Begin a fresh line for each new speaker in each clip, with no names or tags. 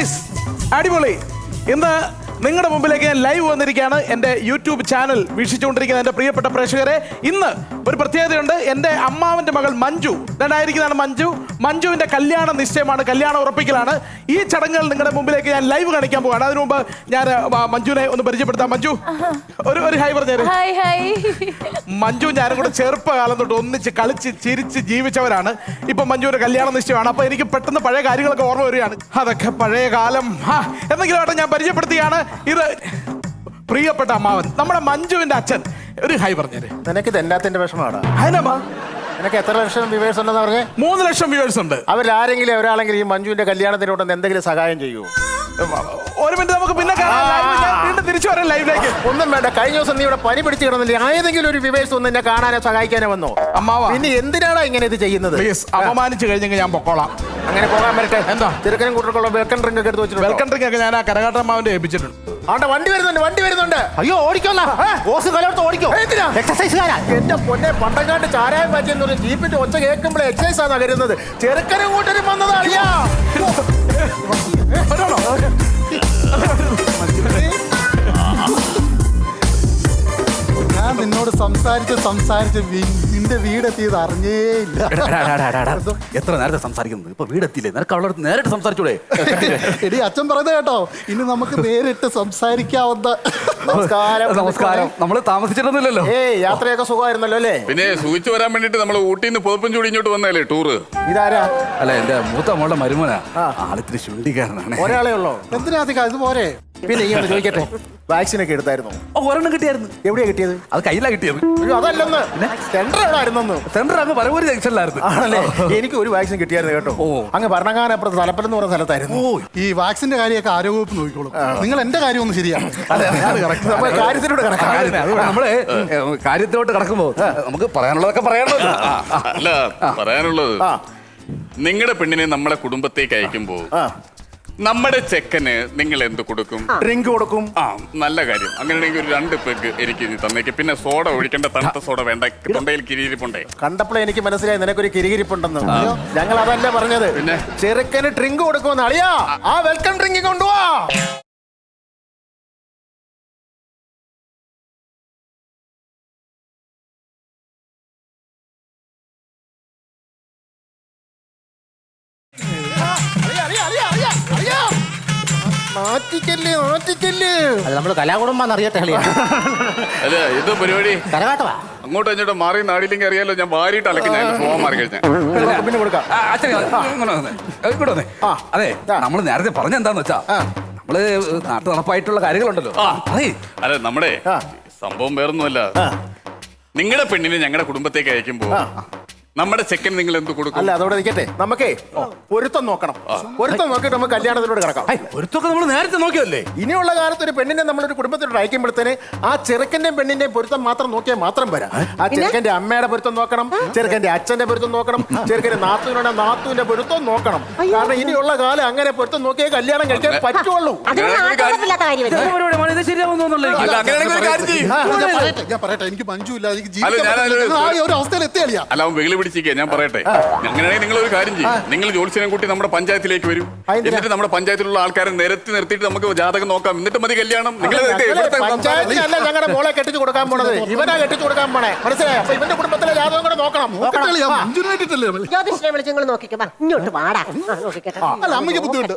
Guys അടിപൊളി. ഇന്ന് നിങ്ങളുടെ മുമ്പിലേക്ക് ഞാൻ ലൈവ് വന്നിരിക്കുകയാണ്. എൻ്റെ യൂട്യൂബ് ചാനൽ വീക്ഷിച്ചുകൊണ്ടിരിക്കുന്ന എൻ്റെ പ്രിയപ്പെട്ട പ്രേക്ഷകരെ, ഇന്ന് ഒരു പ്രത്യേകതയുണ്ട്. എൻ്റെ അമ്മാവൻ്റെ മകൾ മഞ്ജു രണ്ടായിരിക്കുന്നതാണ് മഞ്ജുവിൻ്റെ കല്യാണ നിശ്ചയമാണ്, കല്യാണം ഉറപ്പിക്കലാണ്. ഈ ചടങ്ങുകൾ നിങ്ങളുടെ മുമ്പിലേക്ക് ഞാൻ ലൈവ് കാണിക്കാൻ പോവുകയാണ്. അതിനു മുമ്പ് ഞാൻ മഞ്ജുവിനെ ഒന്ന് പരിചയപ്പെടുത്താം. മഞ്ജു ഒരു ഹായ് പറഞ്ഞേര്. മഞ്ജു ഞാനും കൂടെ ചെറുപ്പകാലം തൊട്ട് ഒന്നിച്ച് കളിച്ച് ചിരിച്ച് ജീവിച്ചവരാണ്. ഇപ്പൊ മഞ്ജുവിന്റെ കല്യാണ നിശ്ചയമാണ്. അപ്പൊ എനിക്ക് പെട്ടെന്ന് പഴയ കാര്യങ്ങളൊക്കെ ഓർമ്മ വരികയാണ്. അതൊക്കെ പഴയ കാലം. എന്തെങ്കിലും ആട്ടെ, ഞാൻ പരിചയപ്പെടുത്തിയാണ്. ഇത് പ്രിയപ്പെട്ട അമ്മാവൻ, നമ്മുടെ മഞ്ജുവിന്റെ അച്ഛൻ. ഒരു ഹായ് പറഞ്ഞേര്.
നിനക്ക് ഇതെല്ലാത്തിന്റെ വിഷമമാണ്.
അതിനമ്മ
നിനക്ക് എത്ര ലക്ഷം വ്യൂവേഴ്സ് ഉണ്ടെന്ന് പറഞ്ഞേ?
3 ലക്ഷം വ്യൂവേഴ്സ് ഉണ്ട്.
അവരാരെങ്കിലും ഒരാളെങ്കിലും ഈ മഞ്ജുവിന്റെ കല്യാണത്തിനോട് എന്തെങ്കിലും സഹായം ചെയ്യുമോ?
ഒരു മിനിറ്റ്, നമുക്ക് പിന്നെ വീണ്ടും തിരിച്ചു വരാം ലൈവിലേക്ക്.
ഒന്നും വേണ്ട. കഴിഞ്ഞ ദിവസം നീ ഇവിടെ പനി പിടിച്ച് കിടന്നില്ലേ? ഏതെങ്കിലും ഒരു വ്യൂവേഴ്സ് ഒന്ന് എന്നെ കാണാനോ സഹായിക്കാനോ വന്നോ?
അമ്മാവ,
പിന്നെ എന്തിനാണ് ഇങ്ങനെ ഇത് ചെയ്യുന്നത്?
അപമാനിച്ചു കഴിഞ്ഞെങ്കിൽ ഞാൻ പൊക്കോളാം.
അങ്ങനെ പോകാൻ പറ്റട്ടെ.
എന്താ
ചെറുക്കനും കൂട്ടർക്കുള്ള വെൽക്കം ഡ്രിങ്ക് ഒക്കെ എടുത്ത് വെച്ചിട്ടുണ്ട്.
വെൽക്കം ഡ്രിങ്ക് ഒക്കെ ഞാൻ ആ കരകാട്ടമ്മാവന്റെ ഏൽപ്പിച്ചിട്ടുണ്ട്.
ആണ്ട വണ്ടി വരുന്നുണ്ട്. അയ്യോ ഓടിക്കോന്നാ, ഓസ് കലോർത്ത് ഓടിക്കോ. എക്സസൈസുകാരാ. എന്റെ പൊന്നെ, പണ്ടങ്ങാണ്ട് ചാരായം മാറ്റിയെന്ന് പറഞ്ഞ ജീപ്പിന്റെ ഒച്ച കേൾക്കുമ്പോൾ എക്സസൈസ് ആണ് കരുതുന്നത്. ചെറുക്കനും കൂട്ടരും വന്നതാണ്.
ഞാൻ നിന്നോട് സംസാരിച്ച് നിന്റെ വീടെത്തിയത് അറിഞ്ഞേ ഇല്ല.
എത്ര നേരത്തെ സംസാരിക്കുന്നത്? ഇപ്പൊ വീടെത്തിയില്ലേ? നിനക്ക് അവളോട് നേരിട്ട് സംസാരിച്ചൂടെ?
എടി, അച്ഛൻ പറയുന്നത് കേട്ടോ, ഇനി നമുക്ക് നേരിട്ട് സംസാരിക്കാവുന്ന.
നമസ്കാരം. നമ്മള് താമസിച്ചിട്ടൊന്നുമില്ലല്ലോ.
യാത്രയൊക്കെ സുഖമായിരുന്നല്ലോ അല്ലേ?
പിന്നെ സൂചിച്ചു വരാൻ വേണ്ടിട്ട് നമ്മൾ ഊട്ടിന്ന് പുതപ്പും ചൂടി ഇങ്ങോട്ട് വന്നല്ലേ ടൂറ്.
ഇതാരാ?
അല്ല, എന്റെ മൂത്ത മോളുടെ മരുമോനാ. ആളിത്തിരി ശുണ്ടിക്കാരനാണ്.
ഒരാളെ ഉള്ളോ?
എന്തിനാ ഇത് പോരെ?
പിന്നെ ഇങ്ങനെ ചോദിക്കട്ടെ, വാക്സിൻ ഒക്കെ എടുത്തായിരുന്നു?
ഒരെണ്ണം കിട്ടിയായിരുന്നു.
എവിടെയാ കിട്ടിയത്?
അത് കയ്യിലാ കിട്ടിയത്.
അതല്ലെന്ന്, സെന്റർ എവിടായിരുന്നു?
സെന്റർ അങ്ങ് പരവൂര് ജംഗ്ഷനിലായിരുന്നു.
ആണല്ലേ? എനിക്ക് ഒരു വാക്സിൻ കിട്ടിയായിരുന്നു കേട്ടോ. അങ്ങ് ഭരണങ്ങാനപ്പുറത്ത് തലപ്പലം എന്ന് പറഞ്ഞ സ്ഥലത്തായിരുന്നു.
ഈ വാക്സിന്റെ കാര്യമൊക്കെ ആരോഗ്യവകുപ്പ് നോക്കിക്കോളും. നിങ്ങൾ എന്റെ കാര്യം ഒന്ന് ശരിയാണ്.
കാര്യത്തിലൂടെ
നമ്മള് കാര്യത്തിലോട്ട് കിടക്കുമ്പോ നമുക്ക് പറയാനുള്ളതൊക്കെ പറയാനുള്ളത്.
അല്ല, പറയാനുള്ളത്, നിങ്ങളുടെ പെണ്ണിനെ നമ്മളെ കുടുംബത്തേക്ക് അയക്കുമ്പോ നമ്മുടെ ചെക്കന് നിങ്ങൾ എന്ത് കൊടുക്കും?
ഡ്രിങ്ക് കൊടുക്കും.
നല്ല കാര്യം. അങ്ങനെയാണെങ്കിൽ ഒരു 2 പെഗ് എനിക്ക് തന്നേക്ക്. പിന്നെ സോഡ ഒഴിക്കേണ്ട, തണുത്ത സോഡ വേണ്ട. തൊണ്ടയിൽ കിരിയിരിപ്പുണ്ടേ.
കണ്ടപ്പോഴേ എനിക്ക് മനസ്സിലായി നിനക്കൊരു കിരികിരിപ്പുണ്ടെന്ന്. ഞങ്ങൾ അതല്ല പറഞ്ഞത്. പിന്നെ ചെറുക്കന് ഡ്രിങ്ക് കൊടുക്കുമെന്ന്. അളിയാ, ആ വെൽക്കം ഡ്രിങ്ക് കൊണ്ടുപോവാ.
നമ്മള് കലാകുടുംബം അറിയട്ടെ.
അല്ല, ഇത് പരിപാടി
കരകാട്ടവാ.
അങ്ങോട്ടും ഇങ്ങോട്ടും മാറി നാടില്ലെങ്കിൽ അറിയാലോ. ഞാൻ വാരിയിട്ട് അലക്കി ഞാൻ പോകാൻ മാറി കഴിഞ്ഞാൽ
പിന്നെ കൊടുക്കാം.
അതെ, നമ്മള് നേരത്തെ പറഞ്ഞെന്താന്ന് വെച്ചാ, നമ്മള് നാട്ടു നടപ്പായിട്ടുള്ള കാര്യങ്ങളുണ്ടല്ലോ.
അല്ല, നമ്മുടെ സംഭവം വേറൊന്നുമല്ല. നിങ്ങളുടെ പെണ്ണിനെ ഞങ്ങളുടെ കുടുംബത്തേക്ക് അയക്കുമ്പോ നമ്മുടെ ചെക്കൻ നിങ്ങൾ എന്ത് കൊടുക്കും?
അല്ല, അതോടെ നിൽക്കട്ടെ. നമുക്കേ പൊരുത്തം നോക്കണം. പൊരുത്തം നോക്കിയിട്ട് നമുക്ക് കല്യാണത്തിലൂടെ കിടക്കാം.
പൊരുത്തൊക്കെ നമ്മൾ നേരത്തെ നോക്കിയല്ലേ?
ഇനിയുള്ള കാലത്ത് ഒരു പെണ്ണിനെ നമ്മളൊരു കുടുംബത്തിലൂടെ അയക്കുമ്പോഴത്തേന് ആ ചെറുക്കന്റെയും പെണ്ണിന്റെയും പൊരുത്തം മാത്രം നോക്കിയാൽ മാത്രം വരാം. ആ ചെറുക്കന്റെ അമ്മയുടെ പൊരുത്തം നോക്കണം, ചെറുക്കന്റെ അച്ഛന്റെ പൊരുത്തം നോക്കണം, ചെറുക്കന്റെ നാത്തൂന്റെ പൊരുത്തം നോക്കണം. കാരണം ഇനിയുള്ള കാലം അങ്ങനെ പൊരുത്തം നോക്കിയേ കല്യാണം കഴിക്കാൻ പറ്റുള്ളൂ.
ഞാൻ പറയട്ടെ, എനിക്ക് മഞ്ജുല്ല.
അല്ല, അവൻ വെകിളി പിടിച്ചിരിക്കുക. ഞാൻ പറയട്ടെ, അങ്ങനെയാണെങ്കിൽ നിങ്ങൾ ഒരു കാര്യം ചെയ്യും. നിങ്ങൾ ജോത്സ്യനെ കൂട്ടി നമ്മുടെ പഞ്ചായത്തിലേക്ക് വരും. എന്നിട്ട് നമ്മുടെ പഞ്ചായത്തിലുള്ള ആൾക്കാരെ നിരത്തി നിർത്തിയിട്ട് നമുക്ക് ജാതകം നോക്കാം. എന്നിട്ട് മതി കല്യാണം.
പഞ്ചായത്തിനല്ല ഞങ്ങളുടെ മോളെ കെട്ടിച്ചു കൊടുക്കാൻ പോണത്, ഇവനാ കെട്ടിച്ചു കൊടുക്കാൻ പോണേ. മനസ്സിലായോ? അപ്പൊ ഇവന്റെ കുടുംബത്തിലെ ജാതകം കൂടെ നോക്കണം.
ജ്യോതിഷനെ വിളിച്ച് നിങ്ങൾ നോക്കിക്കോ. ഇങ്ങോട്ട് വാടാ.
അല്ല, അമ്മയ്ക്ക് ബുദ്ധിമുട്ട്.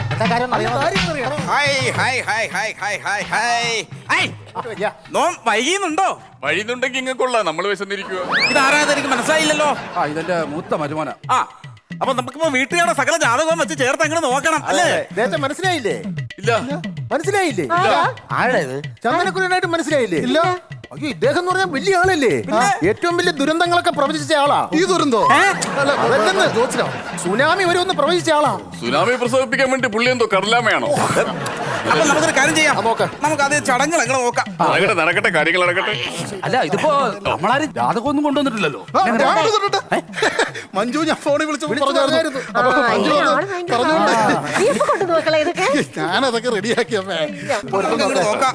വൈകിയുന്നുണ്ടോ?
വഴിയുന്നുണ്ടെങ്കിൽ ഇങ്ങൾക്കുള്ള നമ്മൾ വിശന്നിരിക്കുക.
ഇതാരാന്ന് എനിക്ക് മനസ്സിലായില്ലല്ലോ.
ഇതെന്റെ മൂത്ത മരുമോനാ.
അപ്പൊ നമുക്കിപ്പോ വീട്ടുകാരുടെ സകല ജാതകവും വെച്ച് ചേർത്ത് അങ്ങനെ നോക്കണം അല്ലേ?
മനസ്സിലായില്ലേ?
ഇല്ല.
മനസ്സിലായില്ലേ?
ആരേത്?
ചന്ദനക്കുരനായിട്ട് മനസ്സിലായില്ലേ? ഇല്ല. അയ്യോ, ഇദ്ദേഹം എന്ന് പറഞ്ഞാൽ വലിയ ആളല്ലേ? ഏറ്റവും വലിയ ദുരന്തങ്ങളൊക്കെ പ്രവചിച്ച ആളാ.
ഈ ദുരന്തോ?
സുനാമി വരുമെന്ന് പ്രവചിച്ച ആളാ.
സുനാമി പ്രസവിപ്പിക്കാൻ വേണ്ടി പുള്ളി എന്തോ കടലാമയാണോ?
അപ്പൊ നമുക്കൊരു കാര്യം ചെയ്യാം. നമുക്ക് അത് ചടങ്ങുകൾ എങ്ങനെ നോക്കാം.
നടക്കട്ടെ, കാര്യങ്ങൾ നടക്കട്ടെ.
അല്ല, ഇതിപ്പോ നമ്മളാരും ജാതകമൊന്നും കൊണ്ടുവന്നിട്ടില്ലല്ലോ.
മഞ്ജു, ഞാൻ ഫോണിൽ വിളിച്ചു പറഞ്ഞായിരുന്നു. ഞാനതൊക്കെ റെഡിയാക്കിയമ്മേ.
നോക്കാം.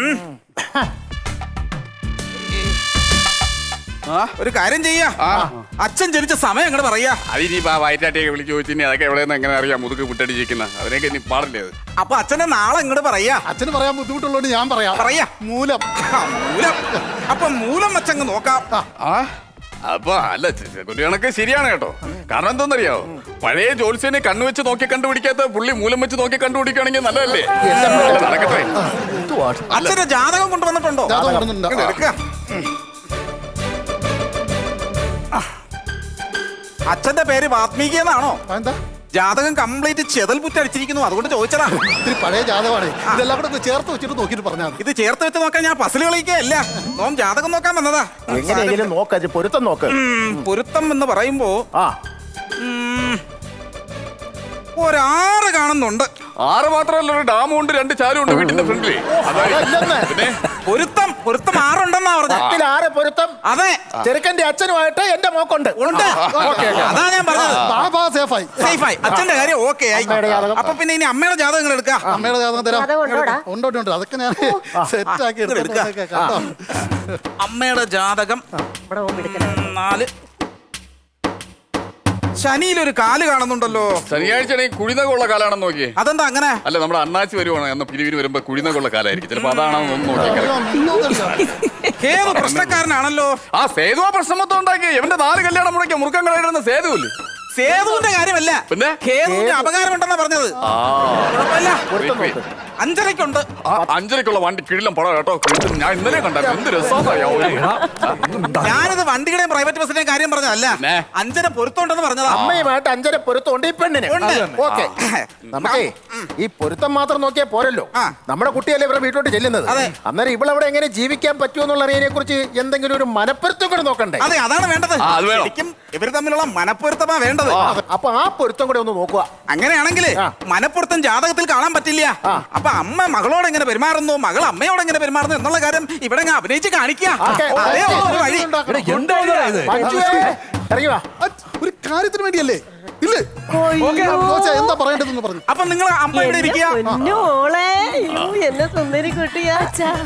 ഒരു കാര്യം ചെയ്യാ,
അച്ഛൻ ജനിച്ച സമയം അങ്ങോട്ട് പറയാ.
അതിനി വയറ്റാട്ടിയൊക്കെ വിളിച്ച് ചോദിച്ചിനി അതൊക്കെ എവിടെയെന്ന് എങ്ങനെ അറിയാം മുതുക്ക് വിട്ടടിച്ചിരിക്കുന്ന അതിനൊക്കെ ഇനി പാടില്ലേ അത്.
അപ്പൊ അച്ഛന്റെ നാളെ ഇങ്ങോട്ട് പറയാ.
അച്ഛന് പറയാൻ ബുദ്ധിമുട്ടുള്ളതുകൊണ്ട് ഞാൻ പറയാം.
പറയാ.
മൂലം.
മൂലം. അപ്പൊ മൂലം വെച്ചങ്ങ് നോക്കാം.
ആ അപ്പൊ അല്ല ഒരു കണക്ക് ശരിയാണ് കേട്ടോ. കാരണം എന്താണെന്നറിയാവോ, പഴയ ജോത്സ്യനെ കണ്ണു വെച്ച് നോക്കി കണ്ടുപിടിക്കാത്ത പുള്ളി മൂലം വെച്ച് നോക്കി കണ്ടുപിടിക്കുകയാണെങ്കിൽ നല്ലതല്ലേ? നടക്കട്ടെ.
അച്ഛന്റെ ജാതകം കൊണ്ടുവന്നിട്ടുണ്ടോ?
ജാതകം കൊണ്ടുവന്നിട്ടുണ്ട്.
ഇങ്ങട് എടുക്ക. അച്ഛന്റെ പേര് വാത്മീകി എന്നാണോ?
എന്താ
ജാതകം കംപ്ലീറ്റ് ചെതൽ പുറ്റടിച്ചിരിക്കുന്നു, അതുകൊണ്ട് ചോദിച്ചതാ.
ഇത്തിരി പഴയ ജാതകമാണ്. ഇതെല്ലാം കൂടെ ഒന്ന് ചേർത്ത് വെച്ചിട്ട് നോക്കിയിട്ട് പറഞ്ഞാൽ മതി.
ഇത് ചേർത്ത് വെച്ച് നോക്കാൻ ഞാൻ പസിൽ കളിക്കുകയല്ല, നോം ജാതകം നോക്കാൻ വന്നതാ.
എങ്ങനെയെങ്കിലും നോക്ക പൊരുത്തം നോക്ക്.
പൊരുത്തം എന്ന് പറയുമ്പോ
ആ
ഒരാറ് കാണുന്നുണ്ട്.
6 മാത്രമല്ല, ഒരു ഡാമും ഉണ്ട്, 2 ചാലും ഉണ്ട് വീട്ടിന്റെ ഫ്രണ്ടില്.
അതല്ലെന്ന്.
പിന്നെ
പൊരുത്തം 6 പറഞ്ഞ.
ആരെ പൊരുത്തം?
അതെ,
ചെറുക്കന്റെ അച്ഛനുമായിട്ട് എന്റെ മോക്കുണ്ട്.
ഉണ്ട്. അതാ ഞാൻ പറഞ്ഞത്.
ബാബാ സേഫായി.
സേഫായി. അച്ഛന്റെ കാര്യം ഓക്കെ ആയി.
അമ്മയുടെ ജാതകം.
അപ്പൊ പിന്നെ ഇനി അമ്മയുടെ ജാതകങ്ങൾ എടുക്കാം.
അമ്മയുടെ ജാതകം തരാം.
ജാതകം ഉണ്ടോടാ?
ഉണ്ട്. അതൊക്കെ ഞാൻ സെറ്റ് ആക്കി
എടുക്കാം.
കേട്ടോ.
അമ്മയുടെ ജാതകം
ഇവിടെ പോകുമ്പോ എടുക്കണം.
4. ശനിയിലൊരു കാല് കാണുന്നുണ്ടല്ലോ.
ശനിയാഴ്ച കുഴിനകുള്ള കാലാണെന്ന് നോക്കിയേ.
അതെന്താ അങ്ങനെ?
അല്ല, നമ്മുടെ അണ്ണാച്ചി വരുവാണ് അന്ന് പിരിവിന് വരുമ്പോ കുഴിനകുള്ള കാലായിരിക്കും. ചിലപ്പോ അതാണെന്ന് ഒന്ന് നോക്കിയാൽ.
ഏത് പ്രശ്നക്കാരനാണല്ലോ.
ആ സേതു ആ പ്രശ്നം മൊത്തം ഉണ്ടാക്കി. എവന്റെ 4 കല്യാണം മുടക്കിയ മുറുക്കം കളയിടുന്ന സേതുവില്ലേ?
സേതുവിന്റെ കാര്യമല്ല,
പിന്നെ
കേതുവിന്റെ അപകാരമുണ്ടെന്നാ പറഞ്ഞത്. കുഴപ്പമില്ല.
പൊരുത്തം നോക്ക്.
5:30ക്കുണ്ട്.
5:30ക്കുള്ള വണ്ടി കിഴിലം പടം കേട്ടോ. കിഴിലം ഞാൻ ഇന്നലെ കണ്ടായിരുന്നു. എന്ത് രസമാണ്.
ഞാനത് വണ്ടിയുടെയും പ്രൈവറ്റ് ബസ്സിന്റെയും കാര്യം പറഞ്ഞതല്ല,
പിന്നെ?
5:30 പൊരുത്തമുണ്ടെന്ന് പറഞ്ഞതാ.
അമ്മയുമായിട്ട് 5:30 പൊരുത്തമുണ്ട് ഈ പെണ്ണിന്.
ഉണ്ട്.
ഓക്കെ, നമുക്കേ ഈ പൊരുത്തം മാത്രം നോക്കിയാൽ പോരല്ലോ.
ആ.
നമ്മുടെ കുട്ടിയല്ലേ ഇവരുടെ വീട്ടിലോട്ട് ചെല്ലുന്നത്.
അതെ.
അന്നേരം ഇവളവിടെ എങ്ങനെ ജീവിക്കാൻ പറ്റുമെന്നുള്ള അറിയതിനെ കുറിച്ച് എന്തെങ്കിലും ഒരു മനപ്പൊരുത്തം കൂടെ നോക്കണ്ടേ?
അതെ, അതാണ് വേണ്ടത്.
ആ, അത് വേണം.
ശരിക്കും ഇവർ തമ്മിലുള്ള മനപ്പൊരുത്തമാ വേണ്ടത്.
അപ്പൊ ആ പൊരുത്തം കൂടെ ഒന്ന് നോക്കുക.
അങ്ങനെയാണെങ്കിൽ മനപ്പൊരുത്തം ജാതകത്തിൽ കാണാൻ പറ്റില്ല. അപ്പൊ അമ്മ മകളോട് എങ്ങനെ പെരുമാറുന്നു, മകൾ അമ്മയോട് എങ്ങനെ പെരുമാറുന്നു എന്നുള്ള കാര്യം ഇവിടെ അങ്ങ് അഭിനയിച്ച് കാണിക്കുക.
ഓക്കേ.
അതേ ഉള്ളൂ ഒരു വഴി.
മഞ്ജുവേ, ഇറങ്ങി വാ.
ഒരു കാര്യത്തിന് വേണ്ടിയല്ലേ? ഇല്ലേ? കോച്ചാ, എന്താ പറയേണ്ടതെന്ന് പറഞ്ഞു.
അപ്പൊ നിങ്ങൾ അമ്മ ഇവിടെ ഇരിക്കുക.
പൊന്നോളെ, അയ്യോ, എന്നെ സുന്ദരി കുട്ടിയാ.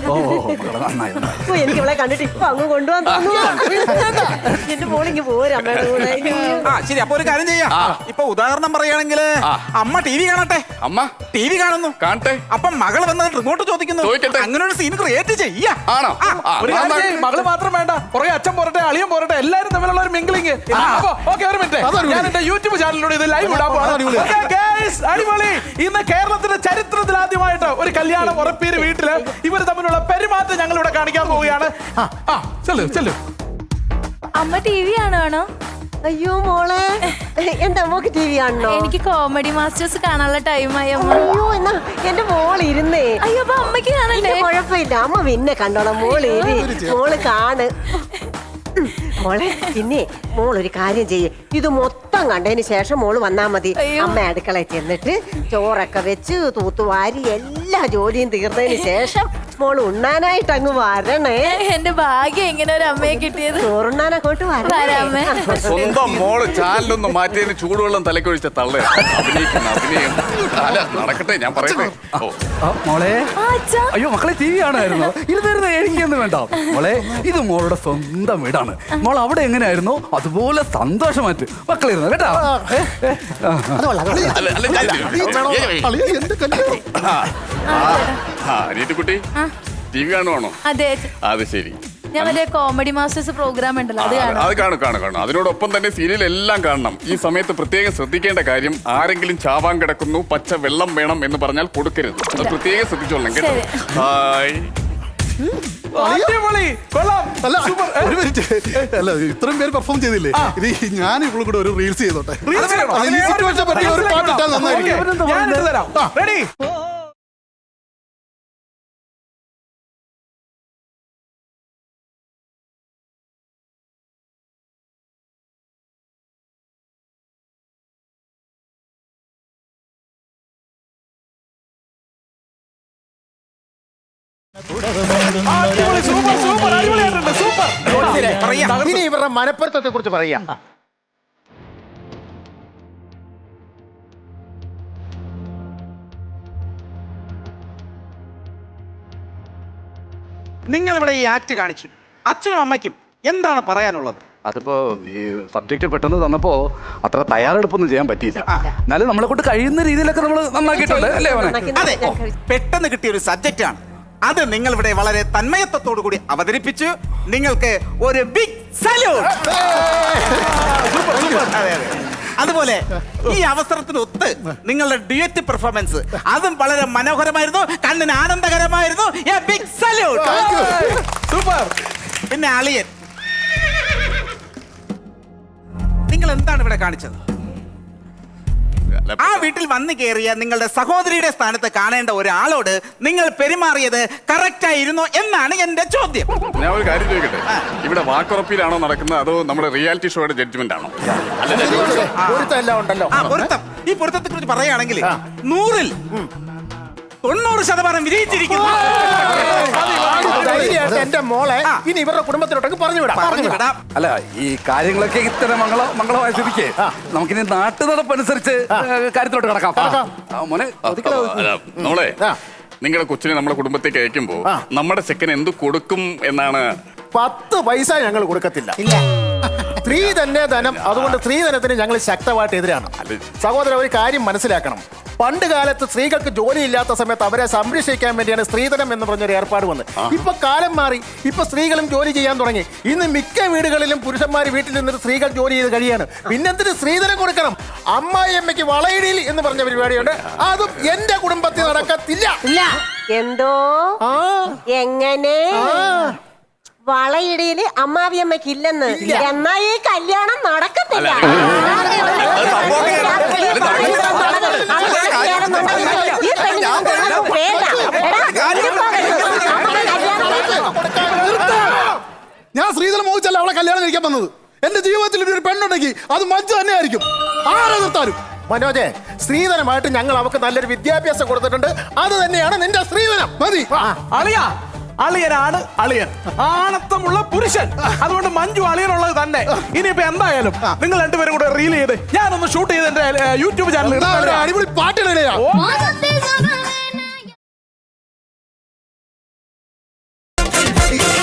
എനിക്ക് ഇവളെ കണ്ടിട്ട് ഇപ്പൊ അങ്ങ് കൊണ്ടുപോകാൻ തോന്നുന്നു. എന്റെ മോളിങ്ങ് പോരും അമ്മയുടെ കൂടെ.
ആ ശരി, അപ്പൊ ഒരു കാര്യം ചെയ്യാം. ഇപ്പൊ ഉദാഹരണം പറയുകയാണെങ്കിൽ അമ്മ TV കാണട്ടെ.
അമ്മ
TV കാണുന്നു,
കാണട്ടെ.
അപ്പം മകൾ വന്ന് റിമോട്ട് ചോദിക്കുന്നു.
ചോദിക്കട്ടെ.
അങ്ങനെ ഒരു സീൻ ക്രിയേറ്റ് ചെയ്യാ.
ആണോ?
ഒരു കാര്യം ചെയ്യ്, മകള് മാത്രം വേണ്ട, പുറകെ അച്ഛൻ പോരട്ടെ, അളിയൻ പോരട്ടെ, എല്ലാരും തമ്മിലുള്ള ഒരു മിംഗ്ലിംഗ്. ഓക്കെ, ഒരു മിനിറ്റ്, ഞാൻ എന്റെ യൂട്യൂബ് ചാനലിലൂടെ ഇത് ലൈവ് ഇടാൻ പോവാണ്. Okay, guys, അടിപൊളി. ഇന്ന് കേരളത്തിന്റെ ചരിത്രത്തിൽ ആദ്യമായിട്ട് ഒരു കല്യാണം ഉറപ്പീര് വീട്ടില് ഇവർ തമ്മിലുള്ള പെരുമാറ്റം ഞങ്ങൾ ഇവിടെ കാണിക്കാൻ പോവുകയാണ്. ചെല്ലു.
അമ്മ TV കാണുവാണോ?
അയ്യോ മോളെ, എന്താ മോക്ക് TV കാണണോ?
എനിക്ക് കോമഡി മാസ്റ്റേഴ്സ് കാണാനുള്ള ടൈമായി അമ്മ.
അയ്യോ, എന്നാ എന്റെ മോൾ ഇരുന്നേ.
അയ്യോ, അപ്പൊ അമ്മയ്ക്ക് കാണണ്ടേ?
കുഴപ്പമില്ല, അമ്മ പിന്നെ കണ്ടോളാം. മോള് ഇരി, മോള് കാണ്. മോളെ, പിന്നെ മോൾ ഒരു കാര്യം ചെയ്യേ, ഇത് മൊത്തം കണ്ടതിന് ശേഷം മോള് വന്നാ മതി.
അയ്യോ.
അമ്മ അടുക്കളയിൽ ചെന്നിട്ട് ചോറൊക്കെ വെച്ച് തൂത്തുവാരി എല്ലാ ജോലിയും തീർന്നതിന് ശേഷം മോള് ഉണ്ണാനായിട്ട് അങ്ങ് വരണേ.
എന്റെ ഭാഗ്യം എങ്ങനെ ഒരു അമ്മയെ കിട്ടിയത്.
ചോറുണ്ണാനൊക്കെ
വരാമേ.
സ്വന്തം മോള് ചാനലൊന്നും മാറ്റിയതിന് ചൂടുവെള്ളം തലക്കൊഴിച്ച തള്ളേ അഭിനയം. അല്ല, നടക്കട്ടെ, ഞാൻ പറയട്ടെ.
മോളെ,
ആ, അച്ഛാ.
അയ്യോ മക്കളെ TV കാണുമായിരുന്നു. ഇരുന്നിരുന്ന് എനിക്കൊന്നും വേണ്ട മോളെ. ഇത് മോളുടെ സ്വന്തം വീടാണ്. മോൾ അവിടെ എങ്ങനെയായിരുന്നു അതുപോലെ സന്തോഷമായിട്ട് മക്കളിരുന്നു കേട്ടോ.
അല്ല, അല്ല,
അളിയ, എന്റെ കല്യാണം.
അനിയത്തിക്കുട്ടി TV കാണുവാണോ?
അതെ,
അത് ശരി.
ഞാൻ വലിയ കോമഡി മാസ്റ്റേഴ്സ് പ്രോഗ്രാം ഉണ്ടല്ലോ, അത് കാണാം.
അത് കാണും. അതിനോടൊപ്പം തന്നെ സീരിയൽ എല്ലാം കാണണം. ഈ സമയത്ത് പ്രത്യേകം ശ്രദ്ധിക്കേണ്ട കാര്യം, ആരെങ്കിലും ചാവാൻ കിടക്കുന്നു, പച്ച വെള്ളം വേണം എന്ന് പറഞ്ഞാൽ കൊടുക്കരുത്. അത് പ്രത്യേകം ശ്രദ്ധിച്ചോളണം കേട്ടോ. ഹായ്.
അടിപൊളി, കൊള്ളാം.
അല്ല, ഒരു മിനിറ്റ്. അല്ല, ഇത്രയും പേര് പെർഫോം ചെയ്തില്ലേ? ഇത് ഞാൻ ഇവളും കൂടെ ഒരു റീൽസ് ചെയ്തോട്ടെ.
Reels ചെയ്യണോ?
അത് ഈ സിറ്റുവേഷൻ പറ്റിയ ഒരു പാട്ട് ഇട്ടാൽ നന്നായിരിക്കും.
Okay, ഞാൻ ഇട്ട് തരാം. Ready? അടിപൊളി, സൂപ്പർ, അടിപൊളിയായിട്ടുണ്ട്, സൂപ്പർ.
ഇനി ഇവരുടെ മനപ്പൊരുത്തത്തെ കുറിച്ച് പറയാം.
നിങ്ങൾ ഇവിടെ ഈ ആക്ട് കാണിച്ചു, അച്ഛനും അമ്മയ്ക്കും എന്താണ് പറയാനുള്ളത്?
അതിപ്പോ ഈ സബ്ജക്റ്റ് പെട്ടെന്ന് തന്നപ്പോ അത്ര തയ്യാറെടുപ്പൊന്നും ചെയ്യാൻ പറ്റിയില്ല. എന്നാലും നമ്മളെ കൊണ്ട് കഴിയുന്ന രീതിയിലൊക്കെ നമ്മൾ നന്നാക്കിയിട്ടുണ്ട് അല്ലേ മോനെ?
അതെ, പെട്ടെന്ന് കിട്ടിയ ഒരു സബ്ജക്റ്റ് ആണ് അത്. നിങ്ങൾ ഇവിടെ വളരെ തന്മയത്വത്തോടു കൂടി അവതരിപ്പിച്ചു. നിങ്ങൾക്ക് ഒരു ബിഗ് സല്യൂട്ട്. അതെ അതെ. അതുപോലെ ഈ അവസരത്തിനൊത്ത് നിങ്ങളുടെ ഡ്യുവറ്റ് പെർഫോമൻസ് അതും വളരെ മനോഹരമായിരുന്നു, കണ്ണിന് ആനന്ദകരമായിരുന്നു. Big salute.
സൂപ്പർ.
പിന്നെ അളിയൻ, നിങ്ങൾ എന്താണ് ഇവിടെ കാണിച്ചത്? ആ വീട്ടിൽ വന്നു കയറിയ നിങ്ങളുടെ സഹോദരിയുടെ സ്ഥാനത്ത് കാണേണ്ട ഒരാളോട് നിങ്ങൾ പെരുമാറിയത് കറക്റ്റ് ആയിരുന്നോ എന്നാണ് എന്റെ ചോദ്യം.
ഞാൻ ഒരു കാര്യം ചോദിക്കട്ടെ, ഇവിടെ വാക്കുറപ്പിലാണോ നടക്കുന്നത് അതോ നമ്മുടെ റിയാലിറ്റി ഷോയുടെ ജഡ്ജ്മെന്റ് ആണോ?
പൊരുത്തം ഉണ്ടല്ലോ.
ആ പൊരുത്തം, ഈ പൊരുത്തത്തെ കുറിച്ച് പറയുകയാണെങ്കിൽ 100-ൽ 90% വിജയിച്ചിരിക്കുന്നു.
ധൈര്യമായിട്ട് എന്റെ മോളെ ഇനി ഇവരുടെ കുടുംബത്തിലോട്ടൊക്കെ പറഞ്ഞു വിടാം.
അല്ല, ഈ കാര്യങ്ങളൊക്കെ ഇത്തരം മംഗളമായ സ്ഥിതിക്ക് നമുക്കിനി നാട്ടു നടപ്പനുസരിച്ച് കാര്യത്തിലോട്ട് കിടക്കാം. മോനെ
നമ്മളെ നിങ്ങളുടെ കൊച്ചിനെ നമ്മുടെ കുടുംബത്തേക്ക് അയക്കുമ്പോ നമ്മുടെ ചെക്കൻ എന്ത് കൊടുക്കും എന്നാണ്?
10 പൈസ ഞങ്ങൾ കൊടുക്കത്തില്ല. സ്ത്രീ തന്നെ ധനം. അതുകൊണ്ട് സ്ത്രീധനത്തിന് ഞങ്ങൾ ശക്തമായിട്ട് എതിരാണ്. സഹോദരൻ, ഒരു കാര്യം മനസ്സിലാക്കണം. പണ്ട് കാലത്ത് സ്ത്രീകൾക്ക് ജോലിയില്ലാത്ത സമയത്ത് അവരെ സംരക്ഷിക്കാൻ വേണ്ടിയാണ് സ്ത്രീധനം എന്ന് പറഞ്ഞൊരു ഏർപ്പാട് വന്നത്. ഇപ്പൊ കാലം മാറി, ഇപ്പൊ സ്ത്രീകളും ജോലി ചെയ്യാൻ തുടങ്ങി. ഇന്ന് മിക്ക വീടുകളിലും പുരുഷന്മാർ വീട്ടിൽ നിന്നിട്ട് സ്ത്രീകൾ ജോലി ചെയ്ത് കഴിയാണ്. പിന്നെന്തിന് സ്ത്രീധനം കൊടുക്കണം? അമ്മായിയമ്മയ്ക്ക് വളയിടിയിൽ എന്ന് പറഞ്ഞ പരിപാടിയുണ്ട്. അതും എന്റെ കുടുംബത്തിൽ നടക്കത്തില്ല.
എന്തോ എങ്ങനെ വളയിടയില് അമ്മാവിയമ്മയ്ക്ക് ഇല്ലെന്ന്? എന്നാ ഈ കല്യാണം നടക്കത്തില്ല.
ഞാൻ സ്ത്രീധനം മോഹിച്ചല്ല അവളെ കല്യാണം കഴിക്കാൻ വന്നത്. എന്റെ ജീവിതത്തിൽ ഒരു പെണ്ണുണ്ടെങ്കിൽ അത് മഞ്ജു തന്നെ ആയിരിക്കും. ആരെ നിർത്താനും.
മനോജെ, സ്ത്രീധനമായിട്ട് ഞങ്ങൾ അവർക്ക് നല്ലൊരു വിദ്യാഭ്യാസം കൊടുത്തിട്ടുണ്ട്. അത് തന്നെയാണ് നിന്റെ സ്ത്രീധനം.
മതി.
അളിയ, അളിയനാണ് അളിയൻ, ആണത്തമുള്ള പുരുഷൻ. അതുകൊണ്ട് മഞ്ജു അളിയനുള്ളത് തന്നെ. ഇനിയിപ്പോ എന്തായാലും നിങ്ങൾ രണ്ടുപേരും കൂടെ റീൽ ചെയ്ത് ഞാനൊന്ന് ഷൂട്ട് ചെയ്ത് എന്റെ യൂട്യൂബ് ചാനലിൽ
അടിപൊളി പാട്ടിടാ.
Oh,